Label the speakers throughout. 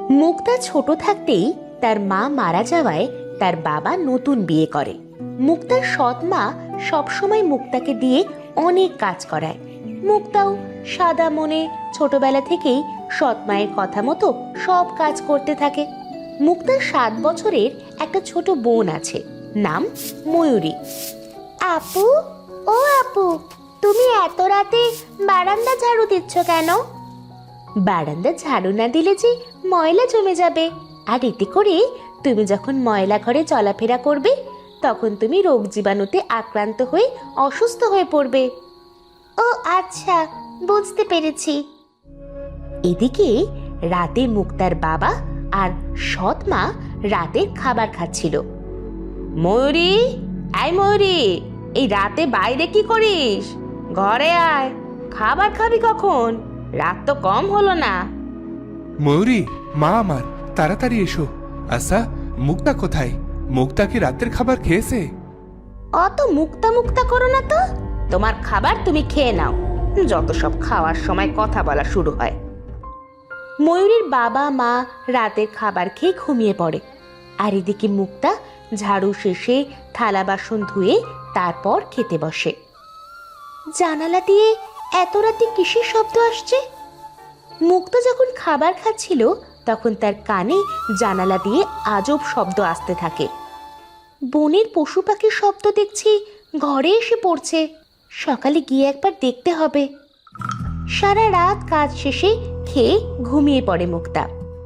Speaker 1: মুক্তা ছোট থাকতেই তার মা মারা যাওয়ায় তার বাবা নতুন বিয়ে করে। মুক্তার সৎ মা সবসময় মুক্তাকে দিয়ে অনেক কাজ করায়। মুক্তাও সাদা মনে ছোটবেলা থেকেই সৎ মায়ের কথা মতো সব কাজ করতে থাকে। মুক্তার 7 বছরের একটা ছোট বোন আছে, নাম ময়ূরী। আপু, ও আপু, তুমি এত রাতে বারান্দা ঝাড়ু দিচ্ছ কেন? বারান্দা ঝাড়ু না দিলে যে ময়লা জমে যাবে, আর এতে করে তুমি যখন ময়লা ঘরে চলাফেরা করবে তখন তুমি রোগ জীবাণুতে আক্রান্ত হয়ে অসুস্থ হয়ে পড়বে। ও আচ্ছা, বুঝতে পেরেছি। এদিকে রাতে মুক্তার বাবা আর সৎ মা রাতের খাবার খাচ্ছিল। ময়ূরী, এই ময়ূরী, এই রাতে বাইরে কি করিস? ঘরে আয়, খাবার খাবি কখন? রাত তো কম হলো না।
Speaker 2: ময়ূরী, মা আমার, তাড়াতাড়ি এসো। আচ্ছা, মুক্তা কোথায়? মুক্তা কি রাতের খাবার খেয়েছে?
Speaker 1: অত মুক্তা মুক্তা করো না তো, তোমার খাবার তুমি খেয়ে নাও। যত সব খাওয়ার সময় কথা বলা শুরু হয়। ময়ূরীর বাবা মা রাতের খাবার খেয়ে ঘুমিয়ে পড়ে, আর এদিকে মুক্তা ঝাড়ু শেষে থালা বাসন ধুয়ে তারপর খেতে বসে। জানালা দিয়ে এত রাতে কিসের শব্দ আসছে? মুক্তা যখন খাবার খাচ্ছিল তখন তার কানে জানালা দিয়ে আজব শব্দ আসতে থাকে। বনের পশু পাখির শব্দ দেখছি ঘরে এসে পড়ছে। সকালে গিয়ে একবার দেখতে হবে। সারা রাত কাজ শেষে খেয়ে ঘুমিয়ে পড়ে মুক্তা।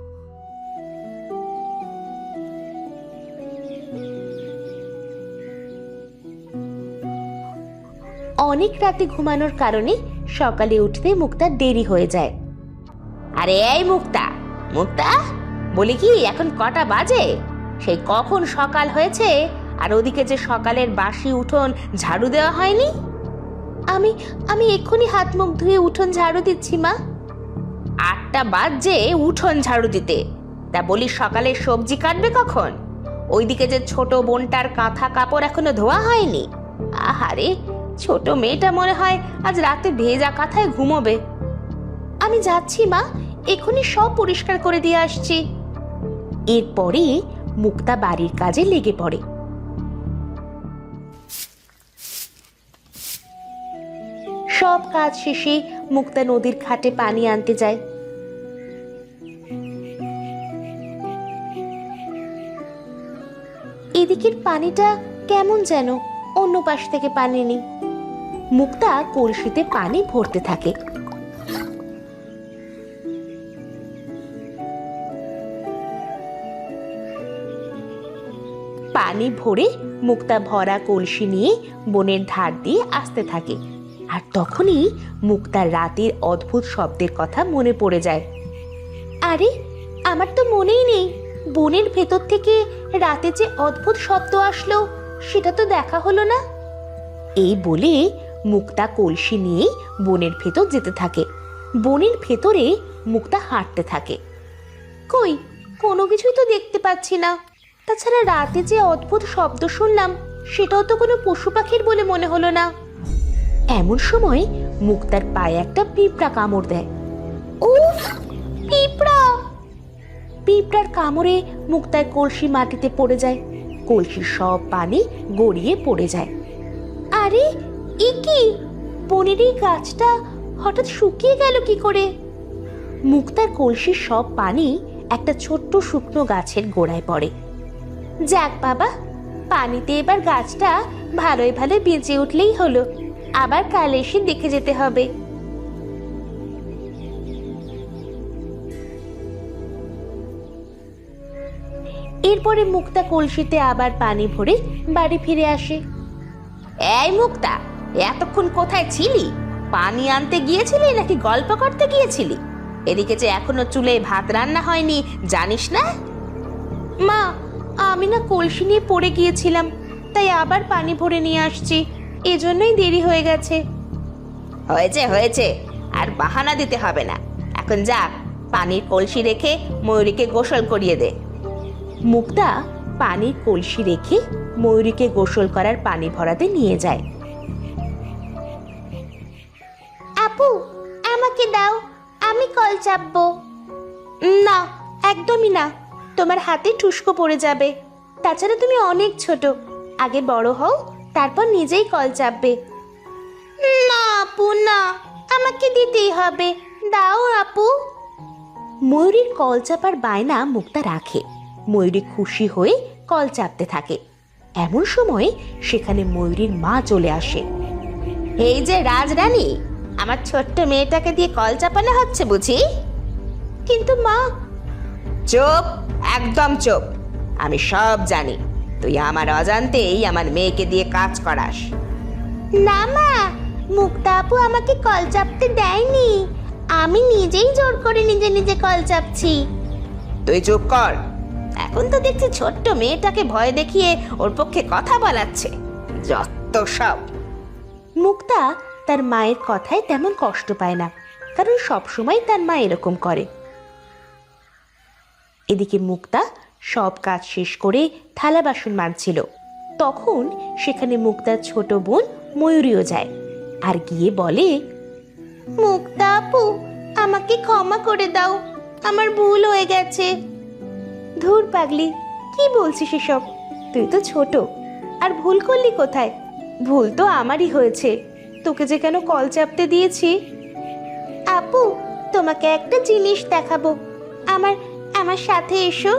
Speaker 1: অনেক রাতে ঘুমানোর কারণে সকালে উঠতে মুক্তার দেরি হয়ে যায়। আরে এই মুক্তা, মুক্তা, বলি কি এখন কটা বাজে? সেই কখন সকাল হয়েছে, আর ওদিকে যে সকালের বাসি উঠোন ঝাড়ু দেওয়া হয়নি। আমি আমি এক্ষুনি হাত মুখ ধুয়ে উঠোন ঝাড়ু দিচ্ছি মা। 8টা বাজে উঠোন ঝাড়ু দিতে? তা বলি সকালে সবজি কাটবে কখন? ওইদিকে যে ছোট বোনটার কাঁথা কাপড় এখনো ধোয়া হয়নি। আহারে, ছোট মেয়েটা মনে হয় আজ রাতে ভেজা কাঁথায় ঘুমোবে। আমি যাচ্ছি মা, এক্ষুনি সব পরিষ্কার করে দিয়ে আসছি। এরপরে মুক্তা বাড়ির কাজে লেগে পড়ে। সব কাজ শেষে মুক্তা নদীর ঘাটে পানি আনতে যায়। এদিকের পানিটা কেমন যেন, অন্য পাশ থেকে পানি নেই। মুক্তা কলসিতে পানি ভরতে থাকে। পানি ভরে মুক্তা ভরা কলসি নিয়ে বনের ধার দিয়ে আসতে থাকে। আর তখনই মুক্তার রাতের অদ্ভুত শব্দের কথা মনে পড়ে যায়। আরে, আমার তো মনেই নেই বনের ভেতর থেকে রাতে যে অদ্ভুত শব্দ আসলো সেটা তো দেখা হলো না। এই বলে মুক্তা কলসি নিয়ে বনের ভেতর যেতে থাকে। বনের ভেতরে মুক্তা হাঁটতে থাকে। কই, কোনো কিছুই তো দেখতে পাচ্ছি না। তাছাড়া রাতে যে অদ্ভুত শব্দ শুনলাম সেটাও তো কোনো পশু পাখির বলে মনে হলো না। এমন সময় মুক্তার পায়ে একটা পিঁপড়া কামড় দেয়। উফ, পিঁপড়া! পিঁপড়ার কামড়ে মুক্তার কলসি মাটিতে পড়ে যায়। কলসির সব পানি গড়িয়ে পড়ে যায়। আরে, এ কি? বনের এই গাছটা হঠাৎ শুকিয়ে গেল কি করে? মুক্তার কলসির সব পানি একটা ছোট্ট শুকনো গাছের গোড়ায় পড়ে। যাক বাবা, পানিতে এবার গাছটা ভালোই ভালো বেঁচে উঠলেই হলো। আবার কাল এসে দেখে যেতে হবে। এরপরে মুক্তা কলসিতে আবার পানি ভরে বাড়ি ফিরে আসে। এই মুক্তা, এতক্ষণ কোথায় ছিলি? পানি আনতে গিয়েছিলি নাকি গল্প করতে গিয়েছিলি? এদিকে যে এখনো চুলে ভাত রান্না হয়নি, জানিস না? মা, আমি না কলসি নিয়ে পড়ে গিয়েছিলাম, তাই আবার পানি ভরে নিয়ে আসছি। এজন্যই দেরি হয়ে গেছে। হয়েছে হয়েছে, আর বাহানা দিতে হবে না। এখন যা, পানির কলসি রেখে ময়ূরীকে গোসল করিয়ে দে। মুক্তা পানির কলসি রেখে ময়ূরীকে গোসল করার পানি ভরাতে নিয়ে যায়। আপু, আমাকে দাও, আমি কল চাপবো। না, একদমই না, তোমার হাতে ঠুসকো পড়ে যাবে। তাছাড়া তুমি অনেক ছোট, আগে বড় হও, তারপর নিজেই কল চাপবে। না আপু না, আমাকে দিতেই হবে, দাও আপু। ময়ূরীর কল চাপার বায়না মুক্তা রাখে। ময়ূরী খুশি হয়ে কল চাপতে থাকে। এমন সময় সেখানে ময়ূরীর মা চলে আসে। এই যে রাজরানী, আমার ছোট্ট মেয়েটাকে দিয়ে কল চাপানো হচ্ছে বুঝি? কিন্তু মা। চুপ, একদম চুপ। আমি সব জানি, তুই আমার অজান্তেই আমার মেয়েকে দিয়ে কাজ করাস। না মা, মুক্তা আপু আমাকে কল চাপতে দেয়নি, আমি নিজেই জোর করে নিজে নিজে কল চাপছি। তুই চুপ কর, এখন তো দেখছি ছোট্ট মেয়েটাকে ভয় দেখিয়ে ওর পক্ষে কথা বলাচ্ছে, যত সব। মুক্তা তার মায়ের কথায় তেমন কষ্ট পায় না, কারণ সবসময় তার মা এরকম করে। এদিকে মুক্তা সব কাজ শেষ করে থালা বাসন মাজছিল। তখন সেখানে মুক্তার ছোট বোন ময়ূরীও যায় আর গিয়ে বলে, মুক্তা আপু, আমাকে ক্ষমা করে দাও, আমার ভুল হয়ে গেছে। ধুর পাগলি, কি বলছিস এসব? তুই তো ছোট, আর ভুল করলি কোথায়? ভুল তো আমারই হয়েছে, তোকে যে কেন কল চাপতে দিয়েছি। আপু, তোমাকে একটা জিনিস দেখাবো, আমার আমার সাথে এসো।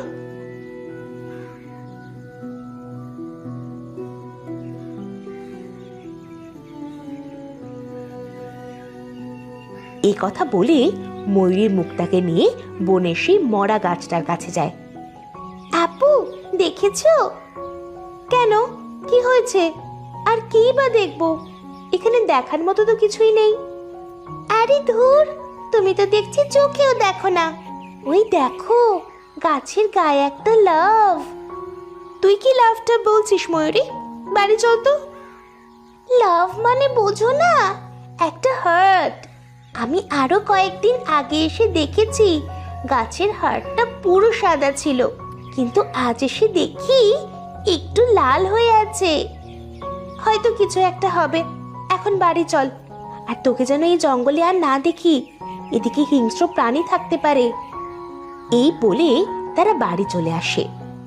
Speaker 1: এই কথা বলে ময়ূরী মুক্তাকে নিয়ে বনের সেই মরা গাছটার কাছে যায়। আপু, দেখেছো? কেন, কি হয়েছে? আর কি বা দেখবো, এখানে দেখার মতো তো কিছুই নেই। আরে ধুর, তুমি তো দেখছি চোখেও দেখো না। ওই দেখো, গাছের গায়ে একটা লাভ। তুই কি লাভটা বলছিস ময়ূরী? বাড়ি চল তো। লাভ মানে বোঝো না, একটা হার্ট। আমি আরো কয়েকদিন আগে এসে দেখেছি গাছের হাড়টা পুরো সাদা ছিল, কিন্তু আজ এসে দেখি একটু লাল হয়ে আছে। হয়তো কিছু একটা হবে, এখন বাড়ি চল। আর তোকে যেন এই জঙ্গলে আর না দেখি, এদিকে হিংস্র প্রাণী থাকতে পারে। এই বলে তারা বাড়ি চলে আসে।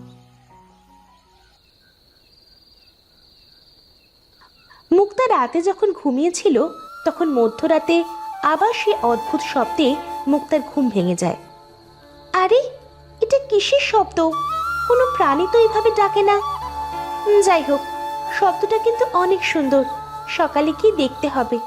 Speaker 1: মুক্তা রাতে যখন ঘুমিয়েছিল, তখন মধ্যরাতে আবার সে অদ্ভুত শব্দে মুক্তার ঘুম ভেঙে যায়। আরে, এটা কিসের শব্দ? কোনো প্রাণী তো এইভাবে ডাকে না। যাই হোক, শব্দটা কিন্তু অনেক সুন্দর, সকালে কি দেখতে হবে।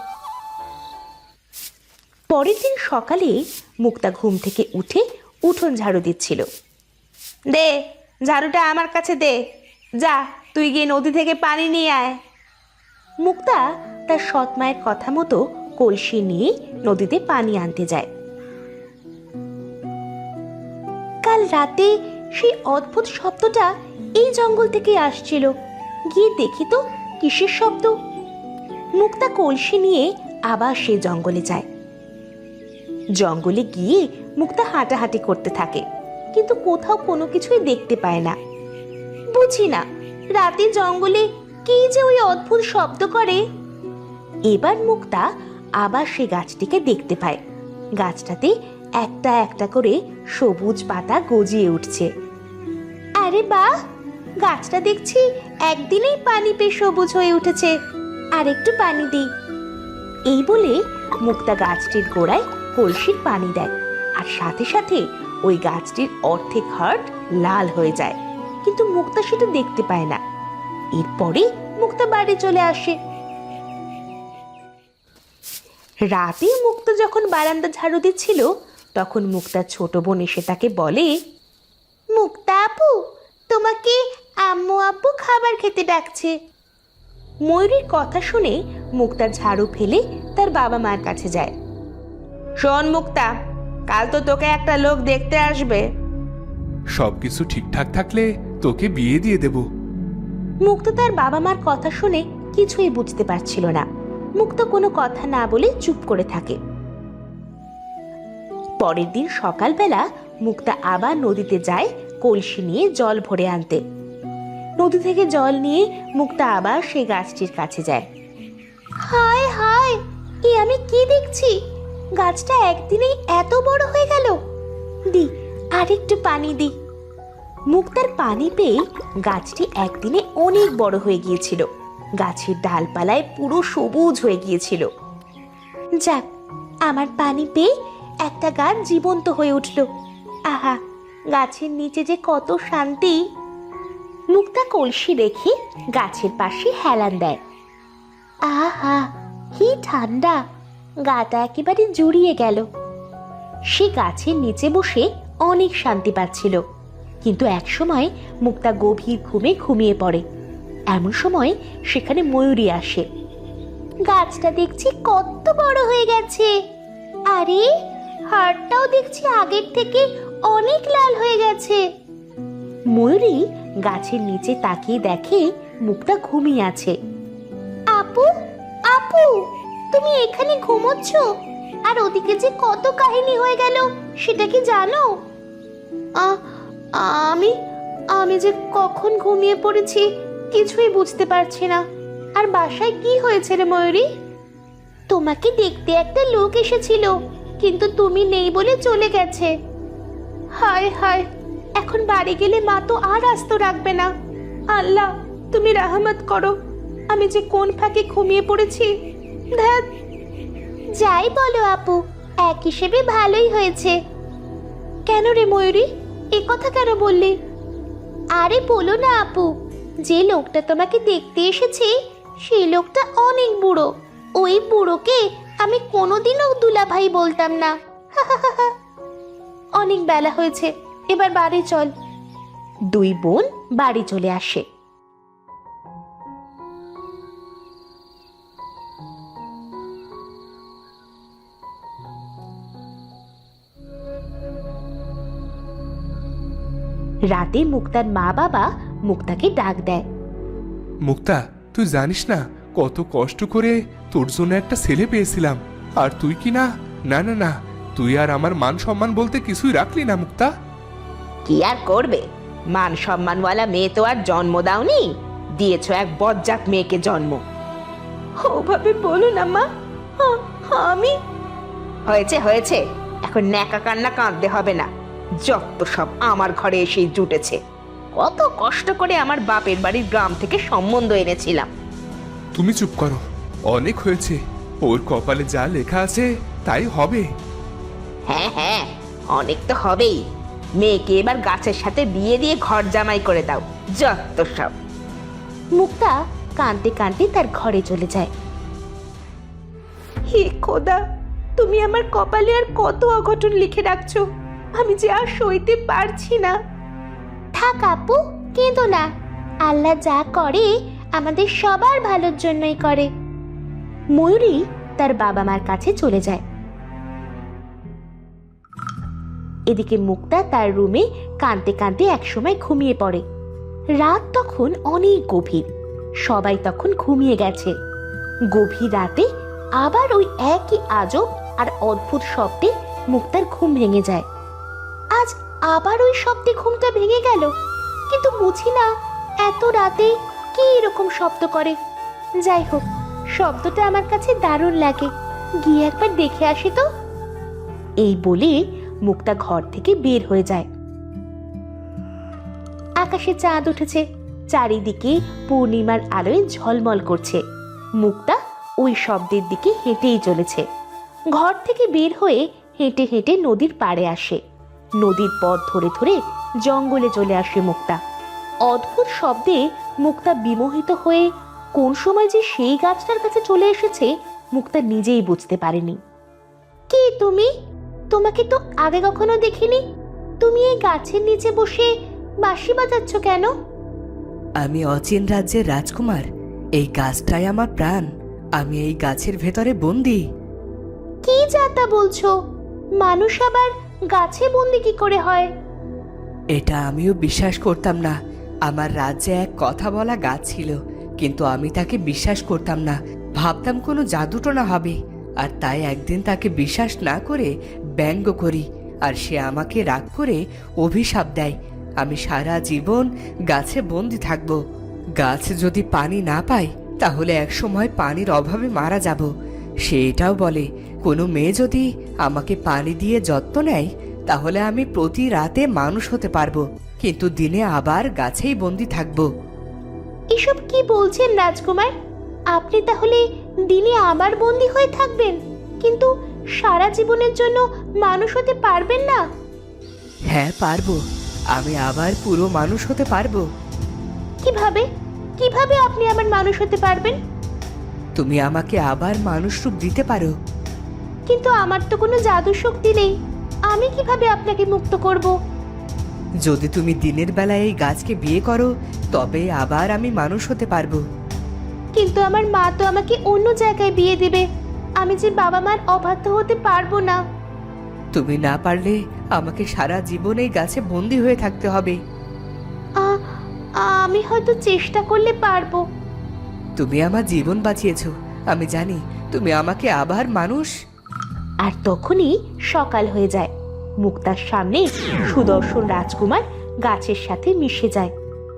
Speaker 1: পরের দিন সকালে মুক্তা ঘুম থেকে উঠে উঠোন ঝাড়ু দিচ্ছিল। দে, ঝাড়ুটা আমার কাছে দে। যা, তুই গিয়ে নদী থেকে পানি নিয়ে আয়। মুক্তা তার সৎ মায়ের কথা মতো কলসি নিয়ে নদীতে পানি আনতে যায়। কাল রাতে সেই অদ্ভুত শব্দটা এই জঙ্গল থেকে আসছিল। গিয়ে দেখি তো কিসের শব্দ। মুক্তা কলসি নিয়ে আবার সে জঙ্গলে যায়। জঙ্গলে গিয়ে মুক্তা হাঁটাহাঁটি করতে থাকে, কিন্তু কোথাও কোনো কিছুই দেখতে পায় না। বুঝি না, রাতে জঙ্গলে কি যে ওই অদ্ভুত শব্দ করে। এবার মুক্তা আবার সে গাছটিকে দেখতে পায়। গাছটাতে একটা একটা করে সবুজ পাতা গজিয়ে উঠছে। আরে বাহ, গাছটা দেখছি একদিনেই পানি পেয়ে সবুজ হয়ে উঠেছে, আর একটু পানি দিই। এই বলে মুক্তা গাছটির গোড়ায় কলসির পানি দেয়, আর সাথে সাথে ওই গাছটির অর্ধেক হার্ট লাল হয়ে যায়, কিন্তু মুক্তা সেটা দেখতে পায় না। এরপরে মুক্তা বাড়ি চলে আসে। রাতে মুক্তা যখন বারান্দা ঝাড়ু দিচ্ছিল, তখন মুক্তার ছোট বোন এসে তাকে বলে, মুক্তা আপু, তোমাকে আম্মু আব্বু খাবার খেতে ডাকছে। ময়ূরীর কথা শুনে মুক্তা ঝাড়ু ফেলে তার বাবা মার কাছে যায়। শোন মুক্তা, কাল তো তোকে একটা লোক দেখতে আসবে।
Speaker 2: সবকিছু ঠিকঠাক থাকলে তোকে বিয়ে দিয়ে দেব।
Speaker 1: মুক্তা তার বাবা মার কথা শুনে কিছুই বুঝতে পারছিল না। মুক্তা কোনো কথা না বলে চুপ করে থাকে। পরের দিন সকালবেলা মুক্তা আবার নদীতে যায় কলসি নিয়ে জল ভরে আনতে। নদী থেকে জল নিয়ে মুক্তা আবার সেই গাছটির কাছে যায়। হায় হায়, এ আমি কি দেখছি? গাছটা একদিনেই এত বড় হয়ে গেল। দি, আরেকটু পানি দি। মুক্তার পানি পেয়ে গাছটি একদিনে অনেক বড় হয়ে গিয়েছিল। গাছের ডালপালায় পুরো সবুজ হয়ে গিয়েছিল। যাক, আমার পানি পেয়ে একটা গাছ জীবন্ত হয়ে উঠল। আহা, গাছের নিচে যে কত শান্তি। মুক্তা কলসি রেখে গাছের পাশে হেলান দেয়। আহা, কি ঠান্ডা, গাটা একেবারে জুড়িয়ে গেল। সে গাছের নিচে বসে অনেক শান্তি পাচ্ছিল। কিন্তু একসময় মুক্তা গভীর ঘুমে ঘুমিয়ে পড়ে। এমন সময় সেখানে ময়ূরী আসে। গাছটা দেখছি কত বড় হয়ে গেছে। আরে, হাড়টাও দেখছি আগের থেকে অনেক লাল হয়ে গেছে। ময়ূরী গাছের নিচে তাকিয়ে দেখে মুক্তা ঘুমিয়ে আছে। আপু, আপু, তুমি এখানে ঘুমোচ্ছ? আর ওদিকে যে কত কাহিনী হয়ে গেল সেটা কি জানো? আমি আমি যে কখন ঘুমিয়ে পড়েছি কিছুই বুঝতে পারছি না। আর বাসায় কি হয়েছে রে ময়ূরী? তোমাকে দেখতে একটা লোক এসেছিল, কিন্তু তুমি নেই বলে চলে গেছে। হায় হায়, এখন বাড়ি গেলে মা তো আর আস্ত রাখবে না। আল্লাহ, তুমি রহমত করো। আমি যে কোন ফাঁকে ঘুমিয়ে পড়েছি। ধ্যাৎ। যাই বলো আপু, এক হিসেবে ভালোই হয়েছে। কেন রে ময়ূরী, এ কথা কেন বললি? আরে বলো না আপু, যে লোকটা তোমাকে দেখতে এসেছে সেই লোকটা অনেক বুড়ো। ওই বুড়োকে আমি কোনোদিনও দুলাভাই বলতাম না। অনেক বেলা হয়েছে, এবার বাড়ি চল। দুই বোন বাড়ি চলে আসে। রাতে মুক্তার মা বাবা মুক্তাকে ডাক দেয়।
Speaker 2: মুক্তা, তুই জানিস না কত কষ্ট করে তোর জন্য একটা ছেলে পেয়েছিলাম, আর তুই কি না না না না তুই আর আমার মান সম্মান বলতে কিছুই রাখলি না মুক্তা।
Speaker 1: কি আর করবে, মান সম্মানওয়ালা মেয়ে তো আর জন্ম দাওনি, দিয়েছ এক বজ্জাত মেয়েকে জন্ম। ওভাবে বলো না মা, আমি। হয়েছে হয়েছে, এখন ন্যাকা কান্না কাঁদতে হবে না। যত সব আমার ঘরে এসেই জুটেছে। কত কষ্ট করে আমার বাপের বাড়ির গ্রাম থেকে সম্বন্ধ এনেছিলাম।
Speaker 2: তুমি চুপ করো, অনেক হয়েছে। ওর কপালে যা লেখা আছে তাই হবে।
Speaker 1: হ্যাঁ হ্যাঁ, অনেক তো হবেই। মেয়েকে এবার গাছের সাথে বিয়ে দিয়ে ঘর জামাই করে দাও, যত সব। মুক্তা কাঁদতে কাঁদতে তার ঘরে চলে যায়। হে খোদা, তুমি আমার কপালে আর কত অঘটন লিখে রাখছো, আমি যে আর সইতে পারছি না। থাক আপু, কেঁদো না। আল্লাহ যা করে আমাদের সবার ভালোর জন্যই করে। ময়ূরী তার বাবা মার কাছে চলে যায়। এদিকে মুক্তা তার রুমে কাঁদতে কাঁদতে একসময় ঘুমিয়ে পড়ে। রাত তখন অনেক গভীর, সবাই তখন ঘুমিয়ে গেছে। গভীর রাতে আবার ওই একই আজব আর অদ্ভুত শব্দে মুক্তার ঘুম ভেঙে যায়। আজ আবার ওই শব্দে ঘুমটা ভেঙে গেল, কিন্তু বুঝি না এত রাতে কি এরকম শব্দ করে। যাই হোক, শব্দটা আমার কাছে দারুণ লাগে, গিয়ে একবার দেখে আসি তো। এই বলে মুক্তা ঘর থেকে বের হয়ে যায়। আকাশে চাঁদ উঠেছে, চারিদিকে পূর্ণিমার আলোয় ঝলমল করছে। মুক্তা ওই শব্দের দিকে হেঁটেই চলেছে। ঘর থেকে বের হয়ে হেঁটে হেঁটে নদীর পাড়ে আসে। নদীর পথ ধরে ধরে জঙ্গলে চলে আসে মুক্তা। অদ্ভুত শব্দে মুক্তা বিমোহিত হয়ে কোন সময় যে সেই গাছটার কাছে চলে এসেছে মুক্তা নিজেই বুঝতে পারেনি। কে তুমি? তোমাকে তো আগে কখনো দেখিনি। তুমি এই গাছের নিচে বসে বাঁশি বাজাচ্ছ কেন?
Speaker 3: আমি অচিন রাজ্যের রাজকুমার। এই গাছটাই আমার প্রাণ। আমি এই গাছের ভেতরে বন্দি।
Speaker 1: কি যাতা বলছো? মানুষ আবার গাছে বন্দি কি করে হয়?
Speaker 3: এটা আমিও বিশ্বাস করতাম না। আমার রাজ্যে এক কথা বলা গাছ ছিল, কিন্তু আমি তাকে বিশ্বাস করতাম না। ভাবতাম কোনো জাদুটোনা হবে, আর তাই একদিন তাকে বিশ্বাস না করে ব্যঙ্গ করি, আর সে আমাকে রাগ করে অভিশাপ দেয় আমি সারা জীবন গাছে বন্দি থাকব। গাছ যদি পানি না পায় তাহলে একসময় পানির অভাবে মারা যাব। সে এটাও বলে কোনো মেয়ে যদি আমাকে পানি দিয়ে যত্ন নেয় তাহলে আমি প্রতি রাতে মানুষ হতে পারবো, কিন্তু দিনে আবার গাছেই বন্দি থাকবো।
Speaker 1: এসব কি বলছেন রাজকুমার? আপনি তাহলে দিনে আবার বন্দি হয়ে থাকবেন, কিন্তু সারা জীবনের জন্য মানুষ হতে পারবেন না?
Speaker 3: হ্যাঁ পারবো, আমি আবার পুরো মানুষ হতে পারবো।
Speaker 1: কিভাবে কিভাবে আপনি আবার মানুষ হতে পারবেন?
Speaker 3: তুমি আমাকে আবার মানুষ রূপ দিতে পারো।
Speaker 1: কিন্তু আমার তো কোনো জাদু শক্তি নেই, আমি কিভাবে আপনাকে মুক্ত করব?
Speaker 3: যদি তুমি দিনের বেলায় এই গাছকে বিয়ে করো, তবে আবার আমি মানুষ হতে পারবো।
Speaker 1: কিন্তু আমার মা তো আমাকে অন্য জায়গায় বিয়ে দেবে, আমি যে বাবা মার অবাধ্য হতে পারবো না।
Speaker 3: তুমি না পারলে আমাকে সারা জীবন এই গাছে বন্দি হয়ে থাকতে হবে।
Speaker 1: আমি হয়তো চেষ্টা করলে পারবো।
Speaker 3: তুমি আমার জীবন বাঁচিয়েছো, আমি জানি তুমি আমাকে আবার মানুষ।
Speaker 1: আর তখনই সকাল হয়ে যায়। মুক্তার সামনে সুদর্শন রাজকুমার গাছের সাথে মিশে যায়।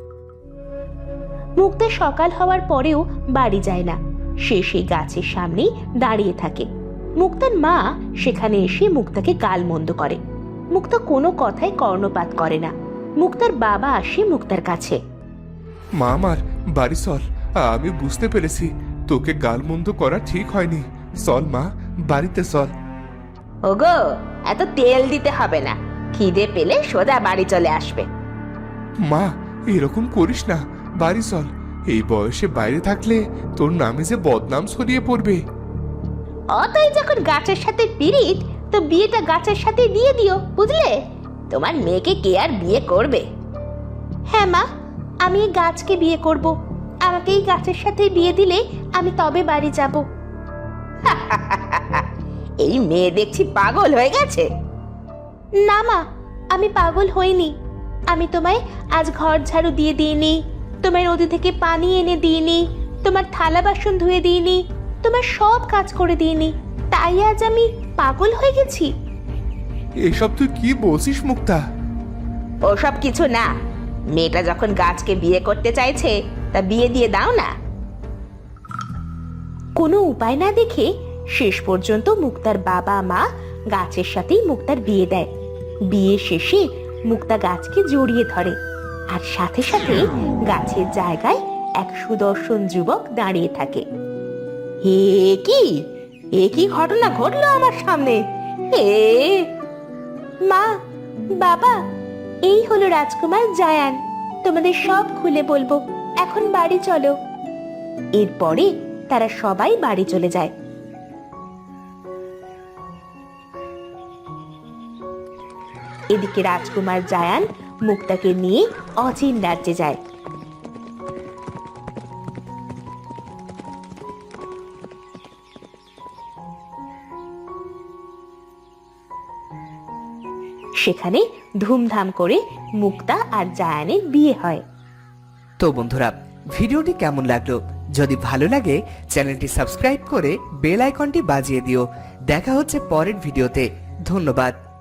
Speaker 1: মুক্তা সকাল হওয়ার পরেও বাড়ি যায় না, সে সেই গাছের সামনেই দাঁড়িয়ে থাকে। মুক্তার মা সেখানে এসে মুক্তাকে গালমন্দ করে। মুক্তা কোনো কথায় কর্ণপাত করে না। মুক্তার বাবা আসে মুক্তার কাছে।
Speaker 2: মা আমার বাড়ি চল, আমি বুঝতে পেরেছি তোকে গালমন্দ করা ঠিক হয়নি। চল মা, বাড়িতে চল।
Speaker 1: ওগো, এত তেল দিতে হবে না, খিদে পেলে সোজা বাড়ি চলে আসবে।
Speaker 2: মা এরকম করিস না, বাড়ি চল। এই বয়সে বাইরে থাকলে তোর নামে যে বদনাম ছড়িয়ে পড়বে।
Speaker 1: অতই যখন গাছের সাথে পিরিত, তো বিয়েটা গাছের সাথে দিয়ে দিও, বুঝলে? তোমার মেয়েকে কে আর বিয়ে করবে? হ্যাঁ মা, আমি এই গাছকে বিয়ে করব। আমাকে এই গাছের সাথে বিয়ে দিলে আমি তবে বাড়ি যাব। এই মেয়ে দেখছি পাগল হয়ে গেছে। না মা, আমি পাগল হইনি। আমি তোমায় আজ ঘর ঝাড়ু দিয়ে দিইনি, তোমায় নদী থেকে পানি এনে দিইনি, তোমার থালা বাসন ধুয়ে দিইনি, তোমার সব কাজ করে দিইনি, তাই আজ আমি পাগল হয়ে গেছি?
Speaker 2: এসব তুই কি বলছিস মুক্তা?
Speaker 1: ওসব কিছু না, মেয়েটা যখন গাছকে বিয়ে করতে চাইছে তা বিয়ে দিয়ে দাও না। কোনো উপায় না দেখে শেষ পর্যন্ত মুক্তার বাবা মা গাছের সাথেই মুক্তার বিয়ে দেয়। বিয়ে শেষে মুক্তা গাছকে জড়িয়ে ধরে, আর সাথে সাথে গাছের জায়গায় এক সুদর্শন যুবক দাঁড়িয়ে থাকে। এ কি ঘটনা ঘটলো আমার সামনে? মা, বাবা, এই হলো রাজকুমার জায়ান। তোমাদের সব খুলে বলবো, এখন বাড়ি চলো। এরপরে তারা সবাই বাড়ি চলে যায়। এদিকে রাজকুমার জায়ান মুক্তাকে নিয়ে অচিন রাজ্যে যায়। সেখানে ধুমধাম করে মুক্তা আর জায়ানের বিয়ে হয়।
Speaker 3: তো বন্ধুরা, ভিডিওটি কেমন লাগলো? যদি ভালো লাগে চ্যানেলটি সাবস্ক্রাইব করে বেল আইকনটি বাজিয়ে দিও। দেখা হচ্ছে পরের ভিডিওতে। ধন্যবাদ।